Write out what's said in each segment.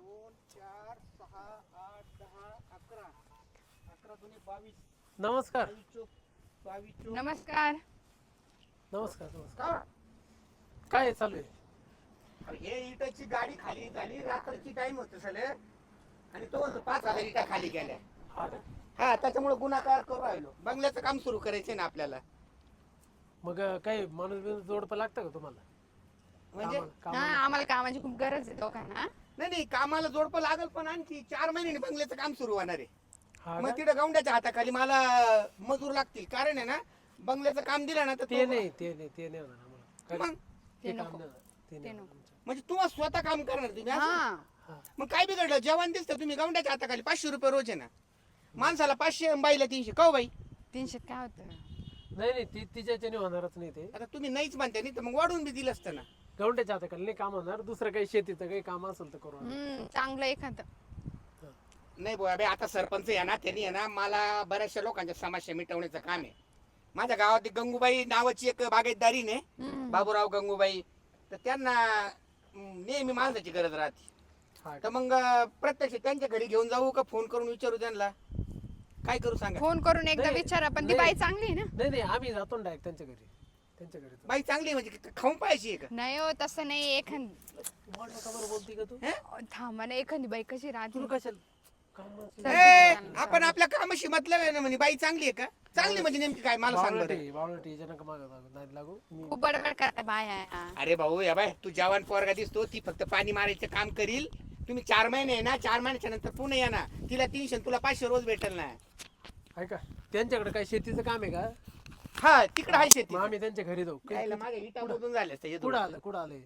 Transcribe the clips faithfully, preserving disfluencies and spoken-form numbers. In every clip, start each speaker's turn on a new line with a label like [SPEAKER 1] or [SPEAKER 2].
[SPEAKER 1] दोन चार सहा आठ दहा अकरा अकरा दोन्ही बावीस
[SPEAKER 2] नमस्कार
[SPEAKER 1] बावीस चोक बावीस चोक
[SPEAKER 3] नमस्कार.
[SPEAKER 2] नमस्कार नमस्कार
[SPEAKER 1] का?
[SPEAKER 2] काय चालू आहे?
[SPEAKER 1] अरे हे इटाची गाडी खाली झाली रात्रीची टाइम होत सले आणि तो म्हणतो पाच हजार इटा खाली गेल्या.
[SPEAKER 2] हा का?
[SPEAKER 1] हा त्याच्यामुळे गुन्हाकार करू राहिलो. बंगल्याचं काम सुरू करायचंय ना आपल्याला.
[SPEAKER 2] मग अं, काही माणूस बिनूस जोडपं लागतं का तुम्हाला?
[SPEAKER 1] म्हणजे
[SPEAKER 2] कामाला-
[SPEAKER 3] हा
[SPEAKER 2] कामाला?
[SPEAKER 3] आम्हाला कामाची खूप गरज आहे दोघांना.
[SPEAKER 1] नाही नाही कामाला जोडपं लागल पण आणखी चार महिन्याने बंगल्याचं काम सुरू होणार आहे.
[SPEAKER 2] हा
[SPEAKER 1] मग
[SPEAKER 2] का?
[SPEAKER 1] तिथं गौंड्याच्या हाताखाली मला मजूर लागतील कारण आहे ना बंगल्याचं काम दिलं ना तर
[SPEAKER 2] ते
[SPEAKER 1] तो-
[SPEAKER 2] नाही ते नाही ते नाही होणार आम्हाला. काय-
[SPEAKER 1] मग
[SPEAKER 2] ते
[SPEAKER 3] ते
[SPEAKER 2] काम
[SPEAKER 3] नको.
[SPEAKER 2] नाही होणार. ते नाही
[SPEAKER 3] ते
[SPEAKER 2] होणार
[SPEAKER 3] नको.
[SPEAKER 2] आमचं.
[SPEAKER 1] म्हणजे तुम्हाला स्वतः काम करणार तुम्ही असं?
[SPEAKER 3] हा
[SPEAKER 2] हा.
[SPEAKER 1] मग काय बिघडलं जेवण दिसतं तुम्ही गौंड्याच्या हाताखाली पाचशे रुपये रोज आहे ना माणसाला पाचशे आणि बाईला तीनशे का हो बाई
[SPEAKER 3] तीनशे काय होतं.
[SPEAKER 2] नाही नाही ती तिच्याच्याने होणारच नाही ते.
[SPEAKER 1] आता तुम्ही नाहीच म्हणता नाही तर मग वाढून बी दिलं असतं ना.
[SPEAKER 2] गवंड्याच्या हाताखाली नाही काम होणार. दुसरं काही शेतीचं काही काम असेल तर करू आम्ही.
[SPEAKER 3] हम्म चांगलं एखादं.
[SPEAKER 1] नाही बुवा बे आता सरपंच आहे ना त्यांनी आहे ना मला बऱ्याचशा लोकांच्या समस्या मिटवण्याचं काम आहे. माझ्या गावात एक गंगूबाई नावाची एक बागायतदारी ने
[SPEAKER 3] हम्म.
[SPEAKER 1] बाबूराव गंगूबाई तर त्यांना हम्म, नेहमी माणसाची गरज राहते.
[SPEAKER 2] हा
[SPEAKER 1] तर
[SPEAKER 2] का?
[SPEAKER 1] मग प्रत्यक्ष त्यांच्या घरी घेऊन जाऊ का फोन करून विचारू त्यांना काय करू सांगा.
[SPEAKER 3] फोन करून एकदा
[SPEAKER 2] नाही,
[SPEAKER 3] विचारा पण ती
[SPEAKER 2] नाही.
[SPEAKER 3] बाई चांगली आहे ना.
[SPEAKER 2] नाही नाही आम्ही जातो ना डायरेक्ट त्यांच्या घरी. त्यांच्या घरी जातो.
[SPEAKER 1] बाई चांगली आहे म्हणजे खाऊन पाहिजे आहे का
[SPEAKER 3] नाही हो तसं नाही. एखादी
[SPEAKER 2] तुम्हाला का बरं बोलती का तू?
[SPEAKER 1] हे?
[SPEAKER 3] थांबा ना एखादी बाई कशी राहते.
[SPEAKER 2] तुला कशाला कामाची-
[SPEAKER 1] ए, आपण आपल्या कामाशी मतलब आहे ना म्हणे बाई चांगली आहे का चांगली म्हणजे नेमकी काय मला सांग बरं.
[SPEAKER 2] बावळटी बावळटी जनक मागं लागू- नाही लागू मी
[SPEAKER 3] खूप बडबड करता बाया.
[SPEAKER 1] अरे भाऊ या बाय तू जवान पोरगा दिसतो ती फक्त पाणी मारायचं काम करील. तुम्ही चार महिने आहे ना चार महिन्याच्या नंतर पुन्हा या ना तिला तीनशे तुला पाचशे रोज भेटेल ना.
[SPEAKER 2] ऐका त्यांच्याकडे काय शेतीचं काम आहे का?
[SPEAKER 1] हा तिकडे आहे शेती
[SPEAKER 2] मग आम्ही त्यांच्या घरी जाऊ.
[SPEAKER 1] यायला माझ्या इटा मधून झाले असते हे
[SPEAKER 2] कुठं
[SPEAKER 1] दोन.
[SPEAKER 2] आलं कुठं आलंय?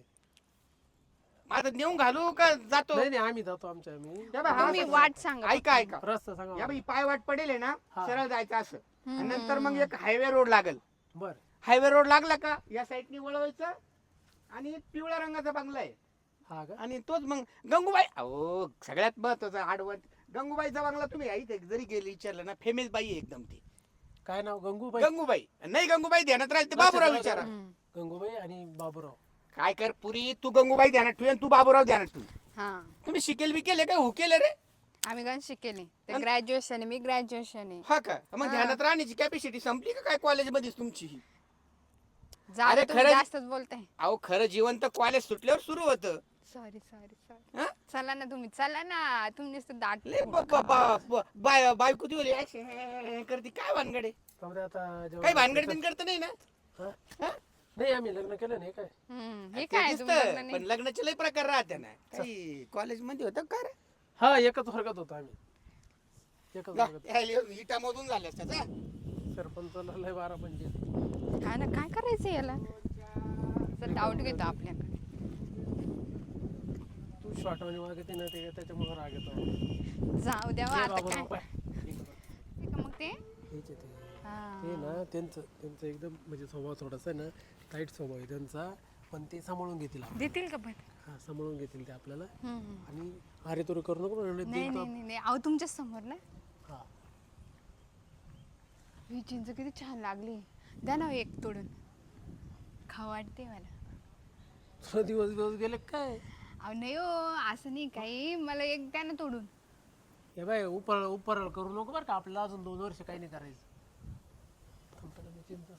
[SPEAKER 1] माझं नेऊन घालू का जातो
[SPEAKER 2] नाही नाही आम्ही जातो आमच्या आम्ही
[SPEAKER 1] या बाई, हा
[SPEAKER 3] तुम्ही
[SPEAKER 1] असं-
[SPEAKER 3] वाट सांगा.
[SPEAKER 1] ऐका ऐका
[SPEAKER 2] रस्ता सांगा
[SPEAKER 1] या बाई पाय वाट पडेल आहे ना
[SPEAKER 2] हा.
[SPEAKER 1] सरळ जायचं असं आणि
[SPEAKER 3] हम्म.
[SPEAKER 1] नंतर मग एक हायवे रोड लागल.
[SPEAKER 2] बर
[SPEAKER 1] हायवे रोड लागला का या साईडनी वळवायचं आणि एक पिवळ्या रंगाचा बंगला आहे
[SPEAKER 2] हा का?
[SPEAKER 1] आणि तोच मग गंगूबाई अहो सगळ्यात महत्वाचा आडवत गंगूबाईचा बंगला तुम्ही इथे जरी गेली विचारलं ना फेमस बाई आहे एकदम ती
[SPEAKER 2] काय नाव? गंगूबाई.
[SPEAKER 1] गंगूबाई नाही गंगूबाई ध्यानात राहील ते बाबूराव विचारा.
[SPEAKER 3] हम्म.
[SPEAKER 2] गंगूबाई आणि बाबूराव.
[SPEAKER 1] काय कर पुरी तू गंगूबाई ध्यानात ठेव आणि तू बाबूराव ध्यानात ठेव.
[SPEAKER 3] हा
[SPEAKER 1] तुम्ही शिकेल बी केले काय हो केले रे
[SPEAKER 3] आम्ही गण शिकेली. ते ग्रॅज्युएशन आहे मी ग्रॅज्युएशन आहे.
[SPEAKER 1] हा का मग
[SPEAKER 3] हा.
[SPEAKER 1] ध्यानात राहण्याची कॅपॅसिटी संपली का काय कॉलेज मध्येच तुमची ही?
[SPEAKER 3] जाऊ
[SPEAKER 1] अरे
[SPEAKER 3] दे, तुम्ही
[SPEAKER 1] खरंच-
[SPEAKER 3] जास्तच बोलताय.
[SPEAKER 1] अहो खरं जीवन तर कॉलेज सुटल्यावर सुरू होतं.
[SPEAKER 3] Sorry sorry sorry.
[SPEAKER 1] हा?
[SPEAKER 3] चला ना तुम्ही चला ना तुम्ही नुसतं दाट
[SPEAKER 1] लय ब- ब- ब- ब- बाय बायको ती बोली "अशी करते काय भानगडे
[SPEAKER 2] त्यामुळे आता जेव्हा-
[SPEAKER 1] काही भानगड बिन करत नाही ना
[SPEAKER 2] हा?
[SPEAKER 1] हा?
[SPEAKER 2] नाही आम्ही लग्न केलं नाही काय.
[SPEAKER 3] हम्म, हे
[SPEAKER 1] ते
[SPEAKER 3] काय
[SPEAKER 1] दिसतं,
[SPEAKER 3] तुम्ही लग्न
[SPEAKER 1] पण
[SPEAKER 3] नाही.
[SPEAKER 1] लग्नाचे लय प्रकार राहते ना काही कॉलेज मध्ये होतं का रे?
[SPEAKER 2] हा एकच वर्गात होतो आम्ही. एकच
[SPEAKER 1] ला,
[SPEAKER 2] वर्गात.
[SPEAKER 1] ह्या इटा मधून झाल्या असत्या जा.
[SPEAKER 2] सरपंचाला लय बारा पंचायत.
[SPEAKER 3] हा ना काय करायचं याला डाऊट घेतो आपल्याकडे.
[SPEAKER 2] तू शॉर्ट मध्ये मागते ना ते त्याच्यामुळे राग येतो.
[SPEAKER 3] जाऊ द्या
[SPEAKER 2] हे
[SPEAKER 3] आता
[SPEAKER 2] बाबूराव
[SPEAKER 3] काय
[SPEAKER 2] पाय.
[SPEAKER 3] ठीक आहे मग ते
[SPEAKER 2] हेच आहे ते.
[SPEAKER 3] हा.
[SPEAKER 2] ते ना त्यांचं त्यांचं एकदम म्हणजे स्वभाव थोडासा आहे ना टाईट स्वभाव आहे त्यांचा. पण ते सांभाळून घेतील आपल्याला.
[SPEAKER 3] देतील का पण
[SPEAKER 2] हा सांभाळून घेतील ते आपल्याला.
[SPEAKER 3] हम्म, हम्म.
[SPEAKER 2] आणि अरे तुला करू नको म्हणून
[SPEAKER 3] नाही
[SPEAKER 2] देईल तो
[SPEAKER 3] नाही नाही नाही अहो तुमच्या समोर ना
[SPEAKER 2] आप- हा
[SPEAKER 3] ही चिंच किती छान लागली. द्या ना हो एक तोडून खाऊ वाटते मला.
[SPEAKER 2] तुला दिवस दिवस गेले काय?
[SPEAKER 3] अहो नाही हो असं नाही काही मला एक द्या ना तोडून.
[SPEAKER 2] हे बाय उपर उपर करू नको बरं का आपल्याला अजून दोन वर्ष काही नाही करायचं. चिंता.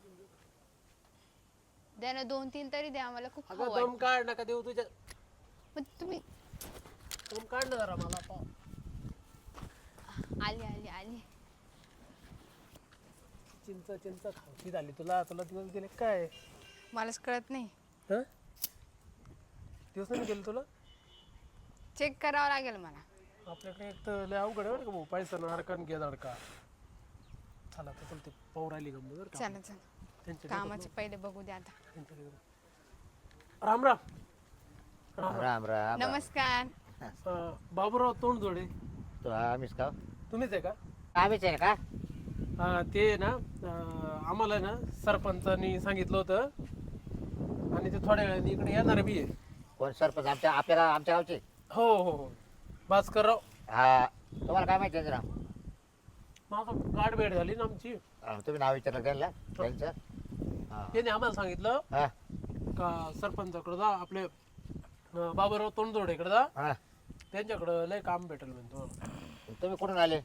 [SPEAKER 3] द्या ना दोन तीन तरी द्या मला खूप खाऊ
[SPEAKER 2] अगं
[SPEAKER 3] वाटते.
[SPEAKER 2] दम काढ नका देऊ तुझ्या.
[SPEAKER 3] पण तुम्ही
[SPEAKER 2] दम काढ ना जरा मला पाव.
[SPEAKER 3] आली आली आली.
[SPEAKER 2] चिंचा चिंचा खावशी झाली तुला. तुला दिवस गेले काय?
[SPEAKER 3] मलाच कळत नाही.
[SPEAKER 2] हा दिवस नाही गेले तुला.
[SPEAKER 3] चेक करावं लागेल मला.
[SPEAKER 2] आपल्याकडे एक तर लय अवघड आहे बरं का भाऊ. पैसा ना अडका घे अडका. चला तर चल ते पौर आली गंमत बरं का.
[SPEAKER 3] चला चला
[SPEAKER 2] त्यांच्या
[SPEAKER 3] कामाचे पहिले बघू द्या आता.
[SPEAKER 2] त्यांच्या घरी. राम राम. राम
[SPEAKER 4] राम राम
[SPEAKER 3] नमस्कार.
[SPEAKER 2] अं, बाबूराव तोंड जोडे
[SPEAKER 4] तो आम्हीच का
[SPEAKER 2] तुम्हीच आहे का?
[SPEAKER 4] आम्हीच आहे का
[SPEAKER 2] अं, ते ना अं, आम्हाला ना सरपंचानी सांगितलं होतं आणि ते थोड्या वेळाने इकडे येणार बी आहे.
[SPEAKER 4] कोण सरपंच आमच्या आपल्याला आमच्या गावचे
[SPEAKER 2] हो हो हो भास्करराव.
[SPEAKER 4] हा तुम्हाला काय माहिती आहे जरा
[SPEAKER 2] माझं गाठ भेट झाली ना आमची.
[SPEAKER 4] हा, तुम्ही नाव विचारलं त्यांना त्यांचं हा
[SPEAKER 2] त्याने आम्हाला सांगितलं
[SPEAKER 4] हा
[SPEAKER 2] का सरपंचाकडे जा आपले अं, बाबूराव तोंडजोडेकडे जा.
[SPEAKER 4] हा
[SPEAKER 2] त्यांच्याकडं लय काम भेटेल म्हणजे तुम्हाला.
[SPEAKER 4] तुम्ही कुठून आले?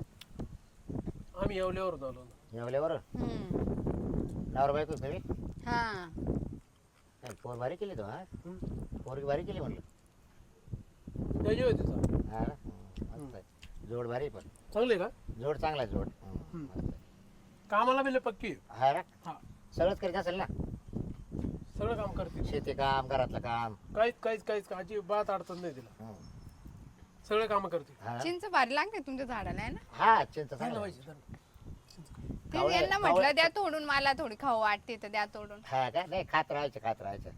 [SPEAKER 2] आम्ही येवल्यावरून आलो ना.
[SPEAKER 4] येवल्यावर
[SPEAKER 3] हम्म.
[SPEAKER 4] नवरा बायको तुम्ही?
[SPEAKER 3] हा
[SPEAKER 4] काय पोर भारी केली तो हा
[SPEAKER 2] हं?
[SPEAKER 4] पोरगी भारी केली म्हणलं.
[SPEAKER 2] त्याची होती तिचा.
[SPEAKER 4] हा ना? हं, मस्त आहे. जोड भारी आहे पण
[SPEAKER 2] चांगली का?
[SPEAKER 4] जोड चांगला आहे जोड हं,
[SPEAKER 2] हं.
[SPEAKER 4] मस्त आहे.
[SPEAKER 2] कामाला बिले पक्की आहे.
[SPEAKER 4] हा ना
[SPEAKER 2] हा
[SPEAKER 4] सगळंच करीत असेल ना
[SPEAKER 2] सगळं काम करते.
[SPEAKER 4] शेती काम घरातलं काम
[SPEAKER 2] काहीच काहीच काहीच अजिबात अडचण नाही तिला.
[SPEAKER 4] हं.
[SPEAKER 2] सगळे काम करते.
[SPEAKER 4] हा ना?
[SPEAKER 3] चिंच भारी लागते तुमच्या झाडाला आहे ना.
[SPEAKER 4] हा चिंता
[SPEAKER 2] चांगलं
[SPEAKER 4] चांगलं
[SPEAKER 2] पाहिजे चांगलं.
[SPEAKER 3] ते
[SPEAKER 4] कावळे-
[SPEAKER 3] यांना
[SPEAKER 4] कावळे-
[SPEAKER 3] म्हटलं द्या तोडून, मला थोडी खाऊ वाटते तर द्या तोडून.
[SPEAKER 4] हा का नाही खात राहायचं खात राहायचं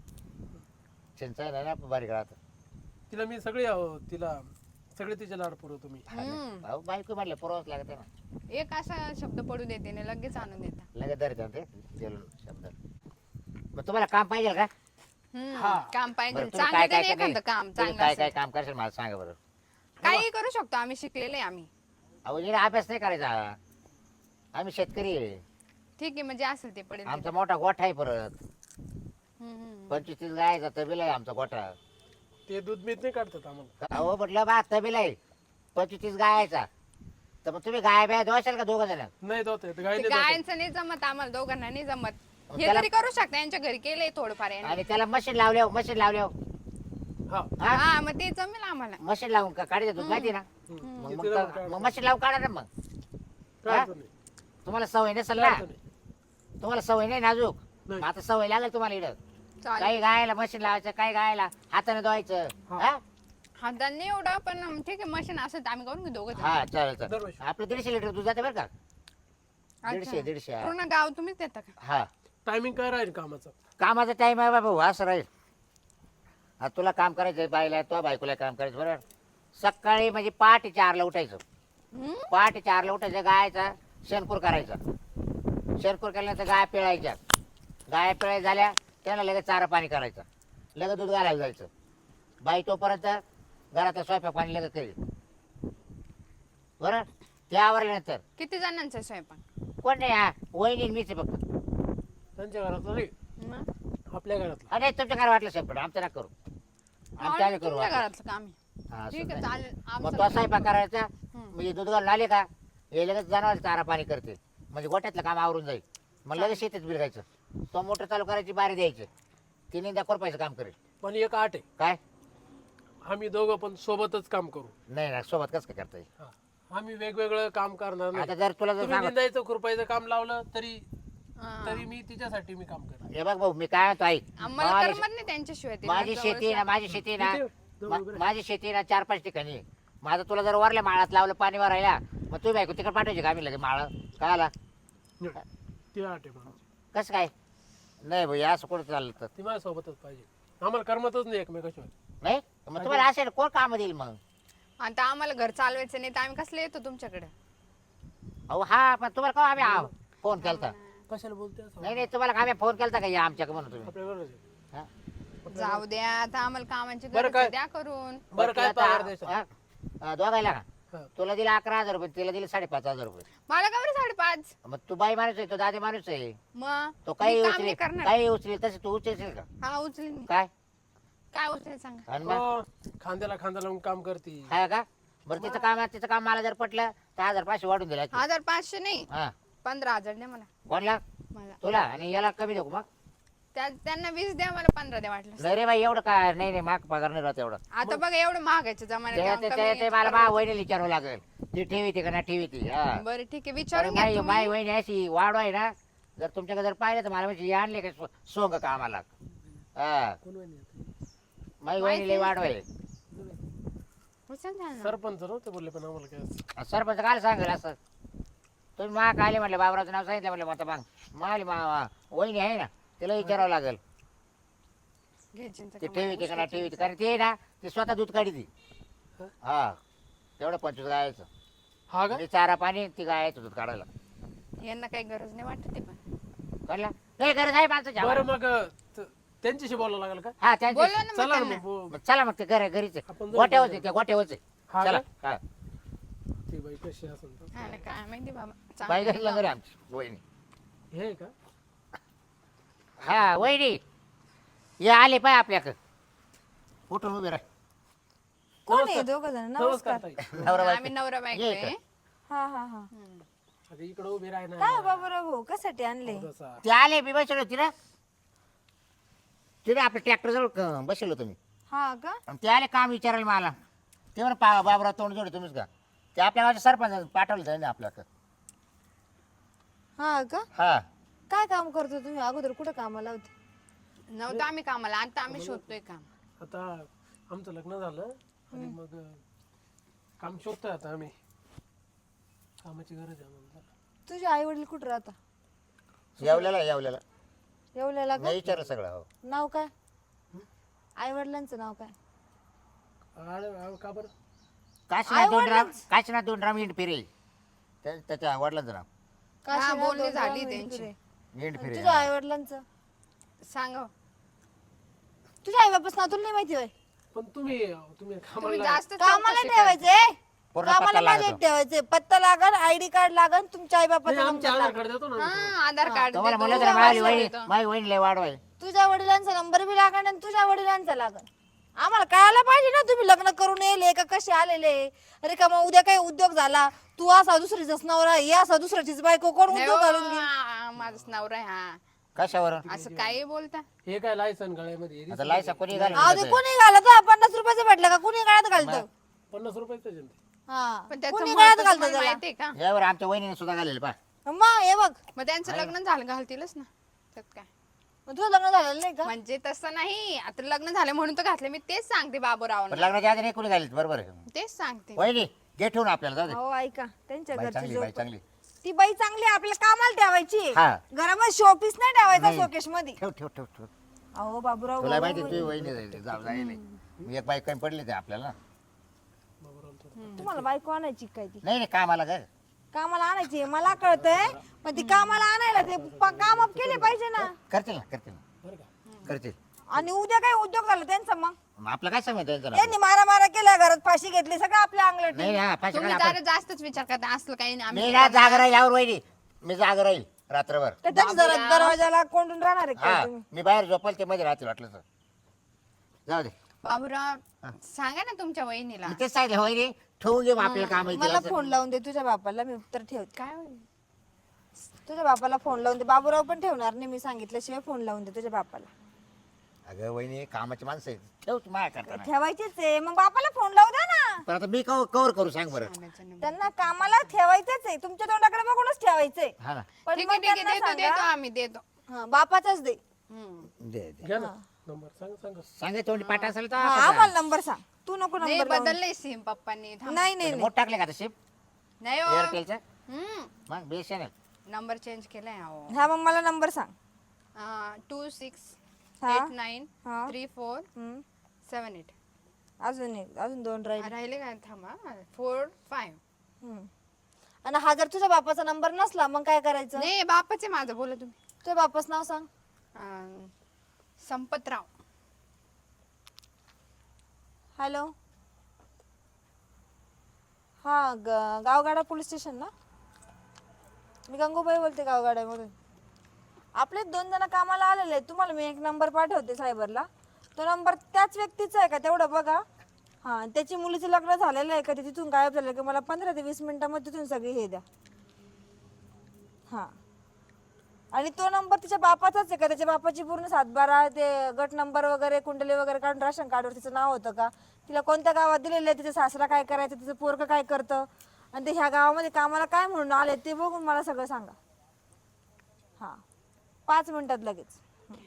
[SPEAKER 4] चिंचा आहे ना बारीक राहत
[SPEAKER 2] तिला मी सगळे अहो, तिला सगळे तिचे लाड पुरवतो मी.
[SPEAKER 3] हम्म.
[SPEAKER 4] अहो बायको म्हटलं पुरवाच लागत आहे ना
[SPEAKER 3] एक असा शब्द पडू देते ना लगेच आणून देता.
[SPEAKER 4] लगेच धरते ना ते गेलो शब्द मग तुम्हाला काम पाहिजे का
[SPEAKER 3] हम्म.
[SPEAKER 2] हा.
[SPEAKER 3] काम पाहिजे
[SPEAKER 4] बरं, तुम्ही
[SPEAKER 3] चांगलं
[SPEAKER 4] काय
[SPEAKER 3] द्या
[SPEAKER 4] काय
[SPEAKER 3] ना एखादं काम
[SPEAKER 4] तुम्ही
[SPEAKER 3] चांगलं
[SPEAKER 4] काय काय
[SPEAKER 3] असेल.
[SPEAKER 4] काम करशाल मला सांगा बरं
[SPEAKER 3] काही करू शकतो आम्ही, शिकलेले आहे आम्ही.
[SPEAKER 4] अहो इकडे अभ्यास नाही करायचा आम्ही शेतकरी आहे
[SPEAKER 3] ठीक आहे म्हणजे असेल ते पडेल
[SPEAKER 4] आमचा
[SPEAKER 3] ते.
[SPEAKER 4] मोठा गोठा आहे परत
[SPEAKER 3] हम्म, हम्म.
[SPEAKER 4] पंचवीस तीस गायचा तबेला आहे आमचा गोठा
[SPEAKER 2] ते दूध बीत नाही काढतात आम्हाला.
[SPEAKER 4] अहो म्हटलं बा तबेला आहे पंचवीस तीस गायचा तर मग तुम्ही गाय बाय धुवाशाल का दोघं जण
[SPEAKER 2] नाही जात गाय
[SPEAKER 3] ते
[SPEAKER 2] नाही जात.
[SPEAKER 3] गायांचं नाही जमत आम्हाला दोघांना नाही जमत. हे
[SPEAKER 4] त्याला-
[SPEAKER 3] तरी करू शकता, यांच्या घरी केलंय थोडंफार यांनी.
[SPEAKER 4] आणि त्याला मशीन लावले मशीन लावले
[SPEAKER 2] हा
[SPEAKER 4] हा
[SPEAKER 3] हा मग ते जमेल आम्हाला.
[SPEAKER 4] मशीन लावून का काढायचं दूध माहिती ना
[SPEAKER 2] हम्म.
[SPEAKER 4] मग
[SPEAKER 2] ते
[SPEAKER 4] मग
[SPEAKER 2] तिला
[SPEAKER 4] का-
[SPEAKER 2] काय
[SPEAKER 4] मग मशीन लावून काढा ना मग
[SPEAKER 2] काय
[SPEAKER 4] हा?
[SPEAKER 2] अडचण नाही.
[SPEAKER 4] तुम्हाला सवय नसेल
[SPEAKER 2] काय
[SPEAKER 4] ना
[SPEAKER 2] अडचण नाही.
[SPEAKER 4] तुम्हाला सवय नाही नाजूक
[SPEAKER 2] नाही.
[SPEAKER 4] मग आता सवय लागेल तुम्हाला इकडं
[SPEAKER 3] चालेल.
[SPEAKER 4] काही गायला मशीन लावायचं काही गायला हाताने धुवायचं
[SPEAKER 2] हा.
[SPEAKER 4] हा
[SPEAKER 3] हातात नाही एवढं पण ठीक आहे, मशीन असेल तर आम्ही करून घेऊ दोघं जण.
[SPEAKER 4] हा चालेल चालेल
[SPEAKER 2] दरवर्षी.
[SPEAKER 4] आपलं दीडशे लिटर दूध जाते बरं का
[SPEAKER 3] अच्छा.
[SPEAKER 4] दीडशे दीडशे हा.
[SPEAKER 3] पूर्ण गाव तुम्हीच देता का?
[SPEAKER 4] हा
[SPEAKER 2] टायमिंग काय राहील कामाचं?
[SPEAKER 4] कामाचा टाइम आहे बाबा असं राहील आता तुला काम करायचं बाईला तो बायकोला काम करायचं बरोबर सकाळी म्हणजे पहाटे चारला उठायचं
[SPEAKER 3] हम्म?
[SPEAKER 4] पहाटे चारला उठायचं गायचा शेणकूर करायचा शेणकूर केल्यानंतर गाय पिळायच्या गाय पिळाय झाल्या त्याला लगेच चारा पाणी करायचं लगेच दूध घालायला जायचं बाई तोपर्यंत घरातलं स्वयंपाक पाणी लगेच करेल बरं ते आवरल्यानंतर
[SPEAKER 3] किती जणांचा आहे स्वयंपाक?
[SPEAKER 4] कोण नाही हा वहिनी मीच आहे फक्त
[SPEAKER 2] त्यांच्या घरातलं नाही,
[SPEAKER 3] मग?
[SPEAKER 2] आपल्या घरातलं.
[SPEAKER 4] अरे तुमच्या घरात वाटलं स्वयंपाक आमचं ना करू आमच्या आम्ही करू
[SPEAKER 3] तुमच्या
[SPEAKER 4] वाटलं.
[SPEAKER 3] घरातलं काम आहे.
[SPEAKER 4] हा,
[SPEAKER 3] ठीक
[SPEAKER 4] असं
[SPEAKER 3] आहे
[SPEAKER 4] नाही.
[SPEAKER 3] चालेल.
[SPEAKER 4] मग
[SPEAKER 3] आमचं
[SPEAKER 4] तो स्वयंपाक करायचा
[SPEAKER 3] हम्म.
[SPEAKER 4] म्हणजे दूध घालून आले का हे लगेच जनावर चारा पाणी करते म्हणजे गोठ्यातलं काम आवरून जाईल मग लगेच शेतीत बिलगायचं तो मोटर चालू करायची बारी द्यायची तिने दाखवर पैसे काम करेल
[SPEAKER 2] पण एक आठ आहे,
[SPEAKER 4] काय
[SPEAKER 2] आम्ही दोघं पण सोबतच काम करू.
[SPEAKER 4] नाही ना सोबत कसं काय करता येईल
[SPEAKER 2] हा. आम्ही वेगवेगळं काम करणार नाही.
[SPEAKER 4] आता जर तुला जर
[SPEAKER 2] तुम्ही
[SPEAKER 4] सांग
[SPEAKER 2] निंदायचं खुरपायचं काम लावलं तरी
[SPEAKER 3] हा.
[SPEAKER 2] तरी मी तिच्यासाठी मी काम करणार.
[SPEAKER 4] हे बघ भाऊ मी काय म्हणतो ऐक
[SPEAKER 3] आम्हाला
[SPEAKER 4] माझी
[SPEAKER 3] करमत नाही त्यांच्याशिवाय ते
[SPEAKER 4] माझी
[SPEAKER 3] जवळ
[SPEAKER 4] शेती ना
[SPEAKER 3] असं.
[SPEAKER 4] माझी शेती ना
[SPEAKER 2] किती? जाऊ
[SPEAKER 4] मा-
[SPEAKER 2] उभे राहा.
[SPEAKER 4] माझी शेती ना चार पाच ठिकाणी आहे. माझं तुला जर वरल्या माळात लावलं पाणी भरायला मग तुम्ही बायको तिकडे पाठवायची का आम्ही लगेच माळ काय आला
[SPEAKER 2] ती आठ आहे पण
[SPEAKER 4] कसं काय नाही भाई असं कोण चाललं तर
[SPEAKER 2] ती माझ्या सोबतच पाहिजे. आम्हाला करमतच नाही एकमेकाशिवाय.
[SPEAKER 4] नाही मग तुम्हाला असेल कोण काम देईल मग
[SPEAKER 3] आता आम्हाला घर चालवायचं नाही तर आम्ही कसले येतो तुमच्याकडे?
[SPEAKER 4] अहो हा पण तुम्हाला का आम्ही फोन केलता
[SPEAKER 2] कशाला बोलते असं?
[SPEAKER 4] नाही नाही तुम्हाला का आम्ही फोन केलता का या आमच्याकडे म्हणून तुम्ही
[SPEAKER 2] आपल्या बरोबर आहे.
[SPEAKER 4] हा?
[SPEAKER 3] जाऊ द्या आता आम्हाला कामाची
[SPEAKER 2] बरं
[SPEAKER 3] गरज
[SPEAKER 2] काय?
[SPEAKER 3] आहे, द्या करून.
[SPEAKER 2] बरं काय
[SPEAKER 4] तुला
[SPEAKER 2] पगार
[SPEAKER 4] आता-
[SPEAKER 2] द्यायचा?
[SPEAKER 4] हा? हा, दोघायला का
[SPEAKER 2] हा.
[SPEAKER 4] तुला दिला अकरा हजार रुपये तिला दिले साडेपाच हजार रुपये
[SPEAKER 3] मला का बरं साडेपाच?
[SPEAKER 4] मग तू बाई माणूस आहे तो दादी माणूस आहे
[SPEAKER 3] मग
[SPEAKER 4] तो काही
[SPEAKER 3] मी काम
[SPEAKER 4] उचलेल
[SPEAKER 3] नाही करणार.
[SPEAKER 4] काही उचलेल तसे तू उचलशील का
[SPEAKER 3] हा उचलेल मी.
[SPEAKER 4] काय
[SPEAKER 3] काय उचलेल सांगा.
[SPEAKER 4] आणि मग
[SPEAKER 2] हो, खांद्याला खांदा लावून काम करते.
[SPEAKER 4] हा का बरं तिचं काम तिचं काम मला जर पटलं तर हजार पाचशे वाढून दिला
[SPEAKER 3] हजार पाचशे नाही,
[SPEAKER 4] हा
[SPEAKER 3] पंधरा हजार द्या मला.
[SPEAKER 4] कोणला
[SPEAKER 3] मला
[SPEAKER 4] तुला आणि याला कमी देऊ मग
[SPEAKER 3] त्या- त्यांना वीस द्या, मला पंधरा द्या वाटलं.
[SPEAKER 4] नाही रे बाई एवढं काय नाही नाही माग पगार नाही राहत एवढं
[SPEAKER 3] आता बघा एवढं महागायचं
[SPEAKER 4] ते-
[SPEAKER 3] जमान्यात
[SPEAKER 4] ते-
[SPEAKER 3] काम
[SPEAKER 4] ते-
[SPEAKER 3] कमी
[SPEAKER 4] ते मला मा वहिनी विचारावं लागेल ती ठेवी ती का ना ठेवी ती हा
[SPEAKER 3] बरं ठीक आहे
[SPEAKER 4] अरे
[SPEAKER 3] विचारून घ्या
[SPEAKER 4] माई
[SPEAKER 3] तुम्ही.
[SPEAKER 4] माई वहिनी अशी वाढ आहे ना जर तुमच्याकडे जर पाहिलं तर मला म्हणजे आणले का सो- सोंग कामाला हा
[SPEAKER 2] कोण वहिनी आहे?
[SPEAKER 4] माई वहिनी लई वाढ आहे
[SPEAKER 3] उचल द्या ना.
[SPEAKER 2] सरपंच नव्हते बोलले पण आम्हाला काय असं.
[SPEAKER 4] सरपंच काय सांगेल असं तुम्ही मा आले म्हटलं बाबराचं नाव सांगितलं म्हटलं मग आता मग माली मा वहिनी आहे ना तिला विचारावं लागेल
[SPEAKER 3] घे चिंता
[SPEAKER 4] ती
[SPEAKER 3] कमा.
[SPEAKER 4] ठेवी ती का ना ठेवी ती कारण ते ना ती स्वतः दूध काढी ती
[SPEAKER 2] हा?
[SPEAKER 4] हा तेवढं पंचवीस गायचं
[SPEAKER 2] हा का?
[SPEAKER 4] म्हणजे चारा पाणी ती गायचं दूध काढायला
[SPEAKER 3] यांना काही गरज नाही वाटत ते पण.
[SPEAKER 4] कळलं नाही गरज आहे माणसाची
[SPEAKER 2] बरं
[SPEAKER 4] आम्हाला.
[SPEAKER 2] मग त- त्यांच्याशी बोलावं लागेल का?
[SPEAKER 4] हा त्यांची
[SPEAKER 3] बोलवा ना मग
[SPEAKER 2] चला ना
[SPEAKER 3] त्यांना.
[SPEAKER 2] मग बो-
[SPEAKER 4] मग चला मग ते घर घरीच आहे.
[SPEAKER 2] आपण जाऊ
[SPEAKER 4] गोट्यावरच आहे
[SPEAKER 2] तिकडे.
[SPEAKER 4] ते गोट्यावरच आहे
[SPEAKER 2] हा
[SPEAKER 4] चला
[SPEAKER 2] का?
[SPEAKER 4] हा
[SPEAKER 2] ती बाई कशी असेल तर.
[SPEAKER 3] हा ना, काय माहिती बाबा.
[SPEAKER 4] बाई
[SPEAKER 3] चांगलं
[SPEAKER 4] घरी घरी आमची वहिनी
[SPEAKER 2] हे आहे का?
[SPEAKER 4] हा वहिनी ये आले पाय आपल्याकडं उठून उभे राह
[SPEAKER 5] कोण आहे दोघ जण?
[SPEAKER 2] नमस्कार
[SPEAKER 5] नमस्कार.
[SPEAKER 2] ताई.
[SPEAKER 4] नवरा बायको.
[SPEAKER 3] आम्ही नवरा बायको
[SPEAKER 4] ये
[SPEAKER 3] आहे.
[SPEAKER 5] हा हा हा.
[SPEAKER 2] आता इकडे उभी राह ना
[SPEAKER 5] काय बाबूराव भाऊ कशासाठी आणले?
[SPEAKER 2] थोडंसं.
[SPEAKER 4] ते आले मी बसलो होती ना तिथे आपल्या ट्रॅक्टर जवळ क- बसलो तुम्ही
[SPEAKER 5] हा का?
[SPEAKER 4] आणि ते आले काम विचारायला मला ते म्हणा पा बाबराव तोंड जोडे तुम्हीच का ते आपल्या गावचे सरपंच पाठवलं त्यांनी आपल्याकडं
[SPEAKER 5] हा का?
[SPEAKER 4] हा
[SPEAKER 5] काय काम करतो तुम्ही? अगोदर कुठं कामाला होते?
[SPEAKER 3] नव्हतं आम्ही कामाला, आता आम्ही शोधतोय काम.
[SPEAKER 2] आता आमचं लग्न झालं आणि मग काम शोधतोय आता आम्ही. कामाची गरज आहे आम्हाला.
[SPEAKER 5] तुझे आई वडील कुठं राहता?
[SPEAKER 4] येवल्याला येवल्याला
[SPEAKER 5] येवल्याला का?
[SPEAKER 4] नाही विचारलं सगळं हो
[SPEAKER 5] नाव काय? आई वडिलांचं नाव काय?
[SPEAKER 2] आड- आड- का बरं?
[SPEAKER 4] काशीनाथ दोंडराम काशीनाथ दोंडराम इंड फिरे त्या- त्याच्या वडिलांचं नाव
[SPEAKER 5] काशीनाथ
[SPEAKER 3] बोलणी
[SPEAKER 5] दोंडराम
[SPEAKER 3] झाली
[SPEAKER 5] इंड
[SPEAKER 3] त्यांची.
[SPEAKER 5] फिरे.
[SPEAKER 4] इंड
[SPEAKER 5] आणि
[SPEAKER 4] फिरे
[SPEAKER 5] तुझ्या आई वडिलांचं?
[SPEAKER 3] सांगा.
[SPEAKER 5] तुझ्या आई बापास नाव तुला नाही माहिती होय?
[SPEAKER 2] पण तुम्ही तुम्ही
[SPEAKER 3] तुम्ही
[SPEAKER 2] कामाला
[SPEAKER 3] जास्त
[SPEAKER 5] कामाला
[SPEAKER 3] चौकशी करा.
[SPEAKER 5] ठेवायचंय.
[SPEAKER 4] पूर्ण
[SPEAKER 5] कामाला
[SPEAKER 4] पत्ता
[SPEAKER 5] माझ्या
[SPEAKER 4] लागतो
[SPEAKER 5] ठेवायचे. पत्ता लागन, आयडी कार्ड लागन, तुमच्या आई
[SPEAKER 2] नाही,
[SPEAKER 5] बापाचा
[SPEAKER 2] आमच्या
[SPEAKER 5] नंबर
[SPEAKER 2] आधार
[SPEAKER 5] लागन.
[SPEAKER 2] कार्ड देतो ना आम्ही.
[SPEAKER 3] हा, आधार कार्ड
[SPEAKER 4] तुम्हाला
[SPEAKER 3] देतो,
[SPEAKER 4] म्हणलं तर माझी
[SPEAKER 3] पासवर्ड
[SPEAKER 4] वहिनी
[SPEAKER 3] देतो.
[SPEAKER 4] माझी वहिनी लय वाढवाय
[SPEAKER 5] तुझ्या वडिलांचा नंबर बी लागन आणि तुझ्या वडिलांचा लागन. आम्हाला कळायला पाहिजे ना तुम्ही लग्न करून येले का कसे आलेले. अरे का मग उद्या काही उद्योग झाला, तू असा दुसरीचाच नवरा, हे असा दुसऱ्याचीच बायको, कोण
[SPEAKER 3] नाही
[SPEAKER 5] उद्योग घालून
[SPEAKER 3] हो,
[SPEAKER 5] घेईल?
[SPEAKER 3] आ, माझाच नवरा आहे हा.
[SPEAKER 4] कशावर
[SPEAKER 3] असं काही बोलता.
[SPEAKER 2] हे काय लायसन गळ्यामध्ये
[SPEAKER 4] आता लायसा कोणी घालून
[SPEAKER 5] अहो ते
[SPEAKER 4] दिलं
[SPEAKER 5] कोणी घालत हा? पन्नास रुपयाचं भेटलं का कुणी गळ्यात घालतं?
[SPEAKER 2] पन्नास रुपयाचं जनते.
[SPEAKER 5] हा
[SPEAKER 3] पण त्याचं
[SPEAKER 5] कुणी
[SPEAKER 3] महत्त्व
[SPEAKER 5] गळ्यात
[SPEAKER 3] तुम्हाला
[SPEAKER 5] घालतं त्याला?
[SPEAKER 3] माहितीये का?
[SPEAKER 4] तर यावर आमच्या वहिनीने सुद्धा घालेलं पा
[SPEAKER 5] मग हे बघ,
[SPEAKER 3] मग त्यांचं लग्न झालं घालतीलच ना. त्यात काय
[SPEAKER 5] मग तुझं लग्न झालेलं नाही का?
[SPEAKER 3] म्हणजे तसं नाही, आता लग्न झालं म्हणून तर घातले. मी तेच सांगते बाबूराव,
[SPEAKER 4] पण लग्नाच्या आधी नाही कोणी घालीत बरोबर आहे
[SPEAKER 3] तेच सांगते.
[SPEAKER 4] वहिनी घे ठेवून आपल्याला जाऊ दे
[SPEAKER 5] हो ऐका, त्यांच्या
[SPEAKER 4] बाई
[SPEAKER 5] घरची
[SPEAKER 4] चांगली बाई
[SPEAKER 5] जोड
[SPEAKER 4] चांगली
[SPEAKER 5] ती बाई चांगली आहे, आपल्याला कामाला ठेवायची.
[SPEAKER 4] हा.
[SPEAKER 5] घरामध्ये शोपीस नाही ठेवायचा
[SPEAKER 4] नाही.
[SPEAKER 5] शोकेश मध्ये.
[SPEAKER 4] ठेव ठेव ठेव ठेव
[SPEAKER 5] अहो बाबूराव
[SPEAKER 4] तुला
[SPEAKER 5] भाऊ,
[SPEAKER 4] माहिती तुझी वहिनी जाईल जाऊ जाईल मी एक बाईक कमी पडली ते आपल्याला
[SPEAKER 5] तुम्हाला बायको आणायची काय ती?
[SPEAKER 4] नाही नाही कामाला ग
[SPEAKER 5] कामाला आणायची मला कळतंय, पण ती कामाला आणायला ते प- काम up केले पाहिजे ना.
[SPEAKER 4] करतील ना करतील ना
[SPEAKER 2] बरं का?
[SPEAKER 4] करतील
[SPEAKER 5] आणि उद्या काय उद्योग झाला त्यांचा मग
[SPEAKER 4] मग आपलं काय सांगत त्यांचं नाव?
[SPEAKER 5] त्यांनी मारा मारा केला, घरात फाशी घेतली, सगळं आपल्या अंगलट.
[SPEAKER 4] नाही ना पाचशे
[SPEAKER 3] तुम्ही
[SPEAKER 4] आपण
[SPEAKER 3] जरा जास्तच विचार करता. असलं काही नाही.
[SPEAKER 4] मी
[SPEAKER 3] आम्ही
[SPEAKER 4] ना जाग राहील यावर वहिनी मी जाग राहील रात्रभर
[SPEAKER 5] त्याच्या दर- दरवाजाला कोंडून राहणार आहे
[SPEAKER 4] हा
[SPEAKER 5] काय तुम्ही?
[SPEAKER 4] मी बाहेर झोपल ते मध्ये राहतील वाटलं तर जाऊ दे
[SPEAKER 3] बाबूराव सांगा ना तुमच्या वहिनीला.
[SPEAKER 4] मी तेच सांगितलं वहिनी ठेवून घे मग आपल्याला काम
[SPEAKER 5] मला फोन लावून दे तुझ्या बापाला, मी उत्तर ठेवते.
[SPEAKER 3] काय होईल?
[SPEAKER 5] तुझ्या बापाला फोन लावून दे. बाबूराव पण ठेवणार नाही, मी सांगितल्याशिवाय फोन लावून दे तुझ्या बापाला.
[SPEAKER 4] अगं वहिनी कामाची माणसं आहेत ठेव तू माझ्या करताना
[SPEAKER 5] ठेवायचीच आहे, मग बापाला फोन लावू द्या ना.
[SPEAKER 4] पण आता मी कवर कवर करू सांग बरं
[SPEAKER 3] आणायचं नाही.
[SPEAKER 5] त्यांना कामाला ठेवायचंच आहे, तुमच्या तोंडाकडे बघूनच ठेवायचंय.
[SPEAKER 4] हा ना
[SPEAKER 5] पण
[SPEAKER 3] ठीक
[SPEAKER 5] मग
[SPEAKER 3] आहे ठीक आहे,
[SPEAKER 5] त्यांना
[SPEAKER 3] देतो देतो
[SPEAKER 5] सांगा,
[SPEAKER 3] आम्ही देतो.
[SPEAKER 5] हा, बापाचाच दे.
[SPEAKER 3] हम्म.
[SPEAKER 4] दे दे
[SPEAKER 2] घ्या ना नंबर सांगा सांगा.
[SPEAKER 4] सांगे तोंडी पाठ असेल तर
[SPEAKER 5] हा,
[SPEAKER 4] आपण
[SPEAKER 5] आम्हाला नंबर सांग, तू नको
[SPEAKER 3] नाही
[SPEAKER 5] नंबर लावून.
[SPEAKER 3] बदललंय सिम पप्पांनी. थांब.
[SPEAKER 5] नाही नाही
[SPEAKER 4] मोठ टाकले का आता शिप
[SPEAKER 3] नाही हो.
[SPEAKER 4] एअरटेलचं
[SPEAKER 3] हम्म.
[SPEAKER 4] मग बेशन
[SPEAKER 3] नंबर चेंज केलाय अहो.
[SPEAKER 5] हा, मग मला नंबर सांग.
[SPEAKER 3] टू सिक्स
[SPEAKER 5] हा.
[SPEAKER 3] एट नाईन
[SPEAKER 5] हा.
[SPEAKER 3] थ्री फोर
[SPEAKER 5] हम्म.
[SPEAKER 3] Seven eight.
[SPEAKER 5] अजून एक, अजून दोन राहिले.
[SPEAKER 3] राहिले काय? थांबा. Four five.
[SPEAKER 5] हम्म. आणि हा जर तुझ्या बापाचा नंबर नसला मग काय करायचं?
[SPEAKER 3] नाही बापाचे माझं बोला तुम्ही.
[SPEAKER 5] तुझ्या बापाच नाव सांग.
[SPEAKER 3] अं, संपतराव.
[SPEAKER 5] हॅलो, हा ग- गावगाडा पोलीस स्टेशन ना? मी गंगूबाई बोलते गावगाड्यामधून. आपले दोन जण कामाला आलेले आहेत, तुम्हाला मी एक नंबर पाठवते सायबरला. तो नंबर त्याच व्यक्तीचा आहे का तेवढं बघा. हा, त्याची मुलीचं लग्न झालेलं आहे का ते तिथून गायब झालं की मला पंधरा ते वीस मिनिटामध्ये तिथून सगळी हे द्या. हा, आणि तो नंबर तिच्या बापाचाच आहे का? त्याच्या बापाची पूर्ण सातबारा ते गट नंबर वगैरे कुंडली वगैरे काढून राशन कार्डवर तिचं नाव होतं का? तिला कोणत्या गावात दिलेलं आहे, तिचा सासरा काय करायचं, तिचं पोरगं काय करतं, आणि ते ह्या गावामध्ये कामाला काय म्हणून आले ते बघून मला सगळं सांगा. हा, पाच मिनिटात लगेच.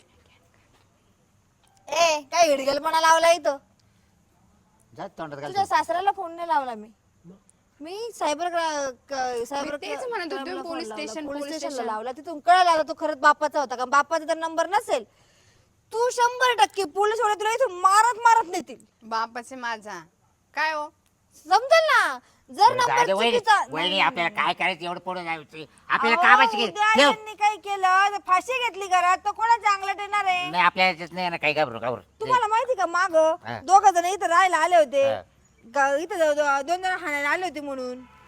[SPEAKER 5] ए काय हिडगलपणा लावला इथं?
[SPEAKER 4] जा तोंडात घाल
[SPEAKER 5] तुझ्या सासऱ्याला फोन नाही लावला मी. मी सायबर सायबर
[SPEAKER 3] मी तेच म्हणत होते,
[SPEAKER 5] क्राईमला
[SPEAKER 3] पोलीस
[SPEAKER 5] फोन लावला.
[SPEAKER 3] स्टेशन,
[SPEAKER 5] पोलीस
[SPEAKER 3] पोलीस
[SPEAKER 5] स्टेशनला
[SPEAKER 3] स्टेशन.
[SPEAKER 5] लावला. तिथून कळलं आता तो खरंच बापाचा होता का? बापाचा जर नंबर नसेल, तू शंभर टक्के पोलीस वाले तुला इथून मारत मारत नेतील.
[SPEAKER 3] बापाचे माझा काय हो?
[SPEAKER 5] समजेल ना? जर
[SPEAKER 4] जाऊ
[SPEAKER 5] नंबर
[SPEAKER 4] दे वहिनी
[SPEAKER 5] चुकीचा
[SPEAKER 4] वहिनी आपल्याला काय करायचं एवढं पुढे जायचं आपल्याला
[SPEAKER 5] अहो,
[SPEAKER 4] कामाची घे
[SPEAKER 5] उद्या
[SPEAKER 4] ठेव
[SPEAKER 5] यांनी काय केलं तर फाशी घेतली घरात, तर कोणाच्या अंगलट येणार आहे?
[SPEAKER 4] नाही आपल्या याच्यात नाही ना काही घाबरू घाबरू
[SPEAKER 5] तुम्हाला माहिती का माग
[SPEAKER 4] हा.
[SPEAKER 5] दोघ जण इथं राहायला आले होते
[SPEAKER 4] हा.
[SPEAKER 5] गा- इथं दो- दो- दोन जण हाणायला आले होते म्हणून.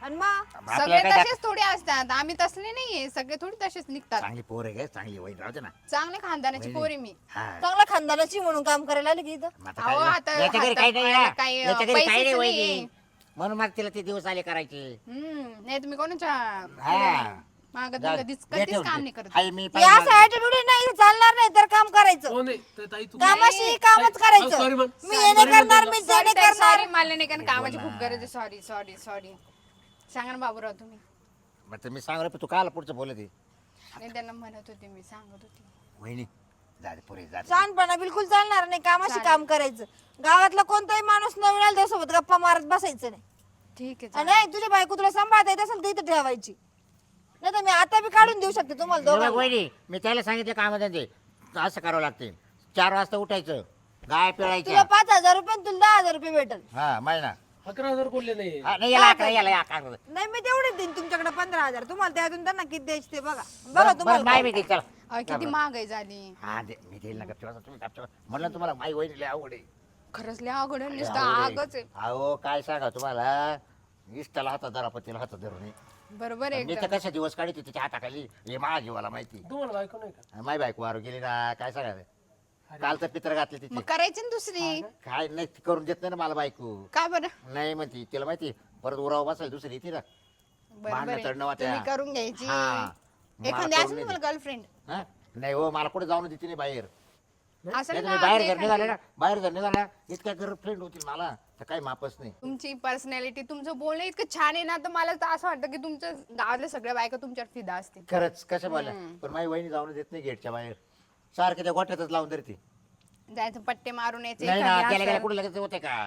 [SPEAKER 5] आणि मग
[SPEAKER 3] सगळे
[SPEAKER 4] आपल्याला काय
[SPEAKER 3] तसेच थोडे असतात आम्ही तसले नाहीये सगळे थोडी तसेच निघतात
[SPEAKER 4] चांगली पोर आहे का चांगली वहीन राहते ना
[SPEAKER 3] चांगल्या खानदानाची
[SPEAKER 4] वहिनी.
[SPEAKER 3] पोरी मी
[SPEAKER 4] हा
[SPEAKER 5] चांगला खानदानाची म्हणून काम करायला आले की इथं
[SPEAKER 4] मग आता
[SPEAKER 3] अहो,
[SPEAKER 4] काय
[SPEAKER 3] आता
[SPEAKER 4] नाही. याच्या घरी काही नाही
[SPEAKER 3] हातापायाला
[SPEAKER 4] ना.
[SPEAKER 3] काही,
[SPEAKER 4] याच्या घरी काही नाही
[SPEAKER 3] पैसेच
[SPEAKER 4] वहिनी
[SPEAKER 3] नाहीये.
[SPEAKER 4] म्हणून मग तिला ते दिवस आले करायचे
[SPEAKER 3] हम्म नाही तुम्ही कोणाच्या
[SPEAKER 4] हा
[SPEAKER 3] मागत
[SPEAKER 4] जा-
[SPEAKER 3] कधीच
[SPEAKER 4] दे
[SPEAKER 3] कधीच
[SPEAKER 4] ठेवून
[SPEAKER 3] काम
[SPEAKER 4] दे.
[SPEAKER 3] नाही करत
[SPEAKER 4] हाय, मी
[SPEAKER 5] हे
[SPEAKER 4] पाहिलं
[SPEAKER 5] असं ऍटिट्यूड नाही इथं चालणार नाही तर काम करायचं
[SPEAKER 2] हो नाही तर ताई तू
[SPEAKER 5] कामाशी कामच करायचं
[SPEAKER 2] सॉरी म्हण
[SPEAKER 5] मी हे नाही करणार मी ते नाही करणार
[SPEAKER 3] सॉरी मला नाही कारण कामाची खूप गरज आहे सॉरी सॉरी सॉरी सांगा ना बाबूराव तुम्ही
[SPEAKER 4] मग तर मी सांगू रे तू काल पुढचं बोलत आहे
[SPEAKER 3] नाही त्यांना म्हणत होते मी सांगत होते
[SPEAKER 4] वहिनी जा रे पुरे जा रे.
[SPEAKER 5] छानपणा बिलकुल चालणार नाही कामाशी काम करायचं गावातला कोणताही माणूस नवीन आला त्यासोबत गप्पा मारत बसायचं नाही
[SPEAKER 3] ठीक आहे
[SPEAKER 5] आणि नाही, तुझ्या बायको तुला सांभाळता येत असेल तर इथं ठेवायची नाही तर मी आता बी काढून देऊ शकते तुम्हाला
[SPEAKER 4] बघ
[SPEAKER 5] दोघांना
[SPEAKER 4] वहिनी मी त्याला सांगितलं कामामध्ये असं करावं लागते चार वाजता उठायचं गाय
[SPEAKER 5] तुला
[SPEAKER 4] पिळायच्या
[SPEAKER 5] पाच हजार रुपये आणि तुला दहा हजार रुपये भेटल
[SPEAKER 4] हा महिना
[SPEAKER 2] अकरा हजार बोलले नाही
[SPEAKER 4] हा, नाही याला अकरा याला अकरा
[SPEAKER 5] नाही मी तेवढेच देईन तुमच्याकडे पंधरा हजार तुम्हाला त्यातून त्यांना किती द्यायचे ते बघा बघा
[SPEAKER 4] बरं, बरं,
[SPEAKER 5] तुम्हाला
[SPEAKER 4] माय मी देईल चला
[SPEAKER 3] अहो, किती महागाई झाली
[SPEAKER 4] हा दे मी देईल ना गपचूप तुम्ही गपचूप म्हणलं तुम्हाला माई वहिनी लय आवड आहे
[SPEAKER 3] खरंच लय अवघड आहे,
[SPEAKER 4] लय
[SPEAKER 3] नुसतं
[SPEAKER 4] आवड
[SPEAKER 3] आगच
[SPEAKER 4] आहे.
[SPEAKER 3] आहे
[SPEAKER 4] अहो काय सांगा तुम्हाला इष्टाला हातात धरा पतीला हातात धरून
[SPEAKER 3] बरोबर आहे
[SPEAKER 4] मी तर
[SPEAKER 3] एकदम.
[SPEAKER 4] कशा दिवस काढते तिच्या हाताखाली हे माझ्या जीवाला माहिती
[SPEAKER 2] तुम्हाला बायको नाही का
[SPEAKER 4] माय बायको वारू गेली ना काय सांगायचं काल तर पित्र घातले तिथे
[SPEAKER 3] मग करायची ना दुसरी
[SPEAKER 4] काय नाही ती करून देत नाही ना मला बायको
[SPEAKER 3] का बरं
[SPEAKER 4] नाही म्हणती तिला माहिती परत उराव बसायला दुसरी ती ना
[SPEAKER 3] बरोबर
[SPEAKER 4] भांडणं
[SPEAKER 3] आहे.
[SPEAKER 4] चढणं वाट्या.
[SPEAKER 3] तुम्ही करून घ्यायची
[SPEAKER 4] हा. मला
[SPEAKER 3] एखादी
[SPEAKER 4] करून
[SPEAKER 3] असेल
[SPEAKER 4] नाही
[SPEAKER 3] तुम्हाला गर्लफ्रेंड
[SPEAKER 4] हा? नाही हो मला कुठे जाऊन देते नाही बाहेर
[SPEAKER 3] असं
[SPEAKER 4] नाही तर
[SPEAKER 3] ना
[SPEAKER 4] मी बाहेर
[SPEAKER 3] आपली
[SPEAKER 4] जर निघाले
[SPEAKER 3] एखादी-
[SPEAKER 4] ना बाहेर जर निघाला इतक्या गर्लफ्रेंड होतील मला तर काही मापच नाही
[SPEAKER 3] तुमची पर्सनॅलिटी तुमचं बोलणं इतकं छान आहे ना तर मला तर असं वाटतं की तुमच्या गावातल्या सगळ्या बायका तुमच्यावर फिदा असतील
[SPEAKER 4] खरंच कसं बोला पण माझी वहिनी जाऊन देत नाही गेटच्या बाहेर सारखे त्या गोठ्यातच लावून धरते
[SPEAKER 3] जायचं पट्टे मारून यायचे
[SPEAKER 4] नाही ना
[SPEAKER 3] एखादी
[SPEAKER 4] गेल्या गेल्या
[SPEAKER 3] असं.
[SPEAKER 4] कुठे लगेच होते का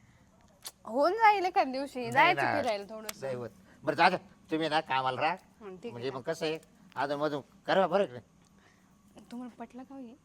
[SPEAKER 3] होऊन जाईल एखाद्या दिवशी
[SPEAKER 4] नाही
[SPEAKER 3] जायचं
[SPEAKER 4] ना.
[SPEAKER 3] फिरायला थोडस
[SPEAKER 4] नाही होत. बरं जा तुम्ही ना कामाला राहा
[SPEAKER 3] ठीक
[SPEAKER 4] म्हणजे मग कसं आहे अजून मधून करा बरं का?
[SPEAKER 3] आहे तुम्हाला पटलं का हो हे?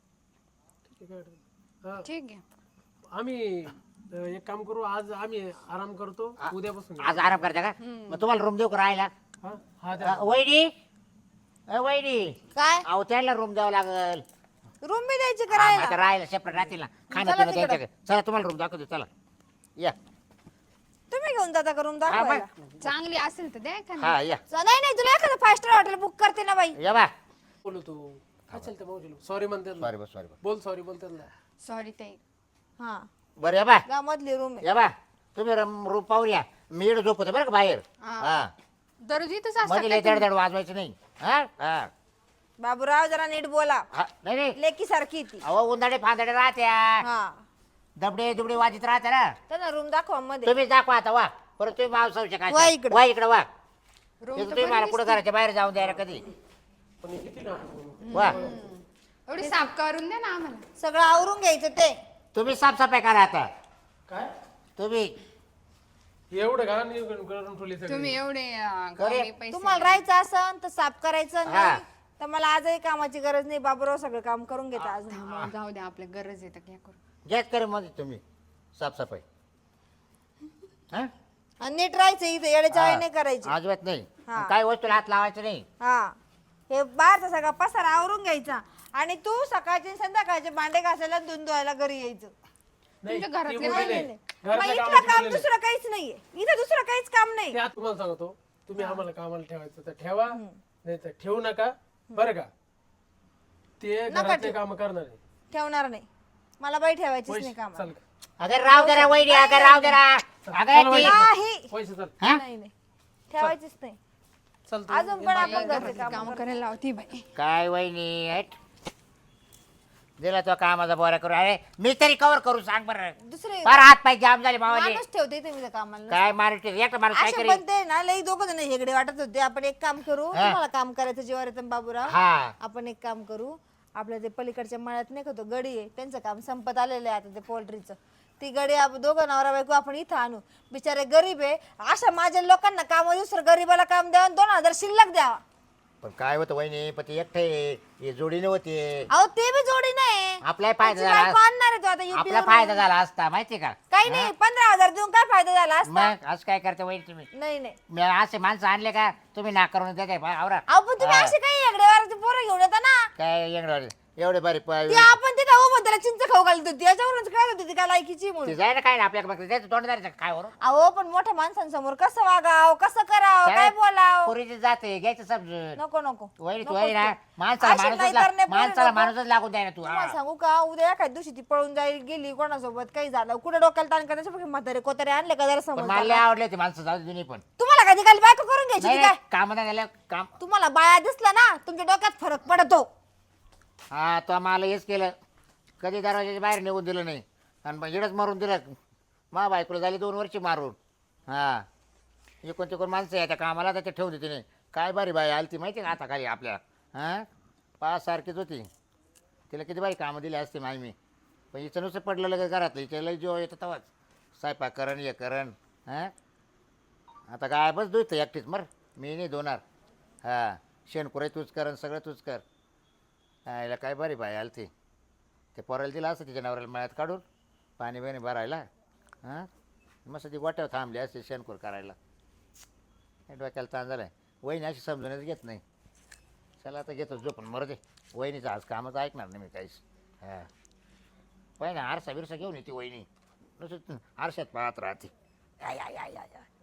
[SPEAKER 2] ठीक आहे काय हा,
[SPEAKER 3] ठीक आहे
[SPEAKER 2] आम्ही अं, एक काम करू आज आम्ही आराम करतो उद्यापासून
[SPEAKER 4] आज आराम करता का मग तुम्हाला रूम देऊ का राहायला
[SPEAKER 2] हा हा द्या.
[SPEAKER 4] अ, वहिनी अ, वहिनी
[SPEAKER 5] काय
[SPEAKER 4] अहो त्याला रूम द्यावं लागल
[SPEAKER 5] रूम बी द्यायची
[SPEAKER 4] हा, मग
[SPEAKER 5] करायला
[SPEAKER 4] आता राहायला सेपरेट राहतील ना खाणं
[SPEAKER 5] चला
[SPEAKER 4] पिणं
[SPEAKER 5] तिकडं.
[SPEAKER 4] त्यांच्याकडे चला तुम्हाला रूम दाखवतो चला या
[SPEAKER 5] तुम्ही घेऊन जाता का रूम
[SPEAKER 4] हा
[SPEAKER 5] दाखवायला
[SPEAKER 4] बा
[SPEAKER 3] चांगली असेल तर द्या एखादी.
[SPEAKER 4] हा या
[SPEAKER 5] च- नाही नाही तुला एखादं फाय स्टार हॉटेल बुक करते ना बाई
[SPEAKER 4] या बा
[SPEAKER 2] बोलू तू काय चालतं मावशीला सॉरी म्हणते ना.
[SPEAKER 4] सॉरी बस सॉरी बस
[SPEAKER 2] बोल सॉरी बोलते ना
[SPEAKER 3] सॉरी ताई
[SPEAKER 5] हा
[SPEAKER 4] बरं या बा
[SPEAKER 5] गावामधली रूम आहे
[SPEAKER 4] या बा तुम्ही रूम रूम पाहून या मी इकडे झोपतो बरं का बाहेर
[SPEAKER 3] हा.
[SPEAKER 4] हा
[SPEAKER 3] दररोज इथंच असतात
[SPEAKER 4] मध्ये
[SPEAKER 3] का
[SPEAKER 4] लय
[SPEAKER 3] तुम्ही?
[SPEAKER 4] दड वाजवायचं नाही हा हा
[SPEAKER 5] बाबूराव जरा नीट बोला
[SPEAKER 4] हा नाही नाही
[SPEAKER 5] लेकी सारखी ती
[SPEAKER 4] अहो उंदाडे फांदाडे राहत्या
[SPEAKER 5] हा
[SPEAKER 4] दबडे दुबडे वाजित राहत्या ना
[SPEAKER 5] त्यांना रूम दाखवा मध्ये
[SPEAKER 4] तुम्ही दाखवा आता वा परत तुम्ही माव सांगू शकाल
[SPEAKER 5] वा इकडं.
[SPEAKER 4] वा इकडे वा
[SPEAKER 3] Room
[SPEAKER 4] ते
[SPEAKER 3] तर
[SPEAKER 4] तुम्ही
[SPEAKER 3] बरी
[SPEAKER 4] मला कुठं
[SPEAKER 3] दिसते.
[SPEAKER 4] घराच्या बाहेर जाऊन द्यायला कधी
[SPEAKER 2] पण हे किती ना
[SPEAKER 4] वा
[SPEAKER 3] एवढी साफ करून द्या ना आम्हाला
[SPEAKER 5] सगळं आवरून घ्यायचं ते
[SPEAKER 4] तुम्ही साफसफाई करा आता
[SPEAKER 2] काय
[SPEAKER 4] तुम्ही
[SPEAKER 2] एवढं का नाही करून ठेवली सगळी
[SPEAKER 3] तुम्ही एवढे अं,
[SPEAKER 4] करे.
[SPEAKER 3] कमी पैसे
[SPEAKER 5] तुम्हाला राहायचं असन तर साफ करायचं
[SPEAKER 4] हा.
[SPEAKER 5] नाही तर मला आजही कामाची गरज नाही बाबूराव सगळं काम करून घेता अजून
[SPEAKER 3] मग जाऊ द्या आपल्या गरज येतं काय करू
[SPEAKER 4] गॅस करे मध्ये तुम्ही साफसफाई हा?
[SPEAKER 5] आणि नीट राहायचं इथे येड्याच्या वेळी नाही करायची
[SPEAKER 4] अजिबात नाही
[SPEAKER 5] हा.
[SPEAKER 4] काही वस्तूला हात लावायचं नाही
[SPEAKER 5] हा हे बाहेरचा सगळा पसारा आवरून घ्यायचा आणि तू सकाळचे आणि संध्याकाळचे भांडे घासायला धुवून धुवायला घरी यायचं
[SPEAKER 2] नाही,
[SPEAKER 3] तुमच्या घरातले
[SPEAKER 2] ते
[SPEAKER 3] नाही,
[SPEAKER 2] बोलले.
[SPEAKER 5] नाही, नाही. मग
[SPEAKER 2] घरातल्या
[SPEAKER 5] इथलं
[SPEAKER 2] कामाची
[SPEAKER 5] काम
[SPEAKER 2] बोलले.
[SPEAKER 5] दुसरं काहीच नाहीये इथं दुसरं काहीच काम नाही
[SPEAKER 2] ते आता तुम्हाला सांगतो तुम्ही आम्हाला कामाला ठेवायचं तर ठेवा नाही तर ठेवू नका बरं का ते घरातले काम करणार आहे
[SPEAKER 5] ठेवणार नाही मला बाई ठेवायचीच नाही
[SPEAKER 2] पैसे
[SPEAKER 5] काम
[SPEAKER 2] चल
[SPEAKER 4] अगर राव जरा वहिनी अगर राव जरा अगर
[SPEAKER 2] चल
[SPEAKER 4] ती-
[SPEAKER 5] नाही
[SPEAKER 2] पैसे चल
[SPEAKER 4] हा?
[SPEAKER 5] नाही नाही ठेवायचीच नाही
[SPEAKER 2] चल तू.
[SPEAKER 5] अजून पण आपण घरचे
[SPEAKER 3] घरातली
[SPEAKER 5] काम
[SPEAKER 3] काम करायला लावती बाई
[SPEAKER 4] काय वहिनी हट. दिला तो कामाचा बोरा करू अरे मी तरी कवर करू सांग बरं
[SPEAKER 5] दुसरे
[SPEAKER 4] फार हात पाय जाम झाले मावाले
[SPEAKER 5] माणूस ठेवते इथे मी त्या कामाला
[SPEAKER 4] काय मारते एक माणूस काय
[SPEAKER 5] असे
[SPEAKER 4] करी
[SPEAKER 5] पण ते ना लई दोघं जण हेगडे वाटत होते आपण एक काम करू तुम्हाला काम करायचं जीवावर येतं बाबूराव
[SPEAKER 4] हा
[SPEAKER 5] आपण एक काम करू आपल्या ते पलीकडच्या मळ्यात नाही का तो गडी आहे त्यांचं काम संपत आलेलं आहे आता ते पोल्ट्रीचं ती गडी आपण दोघं नवरा बायको आपण इथं आणू बिचारे गरीब आहे अशा माझ्या लोकांना काम दुसरं गरीबाला काम द्यावं आणि दोन हजार शिल्लक द्यावा
[SPEAKER 4] पण काय होतं वहिनी पण ते एकटे हे जोडीने होते
[SPEAKER 5] अहो ते बी जोडी नाही
[SPEAKER 4] आपलाही फायदा
[SPEAKER 5] त्याची
[SPEAKER 4] झाला
[SPEAKER 5] बायको आणणार आहे तो आता UP
[SPEAKER 4] आपला
[SPEAKER 5] वरून.
[SPEAKER 4] फायदा झाला असता माहितीये का
[SPEAKER 5] काही नाही पंधरा हजार देऊन काय फायदा झाला असता
[SPEAKER 4] मग असं काय करते वहिनी तुम्ही
[SPEAKER 5] नाही नाही
[SPEAKER 4] मी असे माणसं आणले का तुम्ही नाकारून देते आवरा
[SPEAKER 5] अहो पण तुम्ही असे काही हेगडेवाराची पोरं घेऊन येता ना
[SPEAKER 4] काय एवढे एवढे बरे
[SPEAKER 5] ते आपण तिथं उभं पण त्याला चिंच खाऊ घालत होती याच्यावरूनच काय होती ती काय लायकीची
[SPEAKER 4] ती
[SPEAKER 5] म्हणून.
[SPEAKER 4] जाय ना काय आपल्या बघ त्याचं तोंड धरायचं काय वरून
[SPEAKER 5] अहो पण मोठ्या माणसांसमोर कसं वागाव कसं करावं काय बोलाव.
[SPEAKER 4] पुरीची जाते घ्यायचं समजून
[SPEAKER 5] नको नको
[SPEAKER 4] वहिनी तू
[SPEAKER 5] नको
[SPEAKER 4] वहिनी ना
[SPEAKER 5] तू.
[SPEAKER 4] माणसाला
[SPEAKER 5] अशी
[SPEAKER 4] माणूसच
[SPEAKER 5] नाहीतर
[SPEAKER 4] लाग-
[SPEAKER 5] नाही बोलू
[SPEAKER 4] माणसाला
[SPEAKER 5] नको.
[SPEAKER 4] माणूसच लागून द्याय ना तू
[SPEAKER 5] तुम्हाला
[SPEAKER 4] हा.
[SPEAKER 5] सांगू का उद्या एखाद्या दिवशी ती पळून जाईल गेली कोणासोबत काही झालं कुठे डोक्याला ताण करण्याच्या पेक्षा म्हातारे कोतारे आणले का जरा
[SPEAKER 4] पण
[SPEAKER 5] समज
[SPEAKER 4] मला लय आवडले ते माणसं जाऊ दे जुनी पण
[SPEAKER 5] तुम्हाला कधी काल बायको करून घ्यायची
[SPEAKER 4] नाही
[SPEAKER 5] ती काय
[SPEAKER 4] काम नाही झालं काम
[SPEAKER 5] तुम्हाला बाया दिसला ना तुमच्या डोक्यात फरक पडतो.
[SPEAKER 4] हा तो मला हेच केलं कधी दरवाजाच्या बाहेर निघून दिलं नाही आणि मग इडच मारून दिलं मा बायकोला झाली दोन वर्ष मारून हा कोणते कोण माणसं आहे त्या कामाला तर ते ठेवून देते नाही काय बारी बाई आली ती माहिती का आता खाली आपल्या हां पाच सारखीच होती तिला किती बारी कामं दिली असते माय मी पण हिचं नुसतं पडलं लगेच घरातलं हिच्या लई जेव्हा येतं तेव्हाच स्वयंपाक करण हे करण हां आता काय बस दुखतं एकटीच मर मी नाही दोनार हां शेणकुराई तूच करण सगळं तूच कर हा याला काय बरी बाई आली ती ते पोरायला दिलं असतं तिच्या नवऱ्याला मळ्यात काढून पाणी बिणी भरायला हां मस्त ती गोट्यावर थांबली असते शेणकूर करायला हे डोक्याला ताण झाला आहे वहिनी अशी समजूनच घेत नाही चला आता घेतो जो पण मरू दे वहिनीचं आज कामच ऐकणार नाही मी काहीच हां वहिनी आरसा बिरसा घेऊन येते वहिनी नुसतं आरशात पाहत राहते आय आय आय आय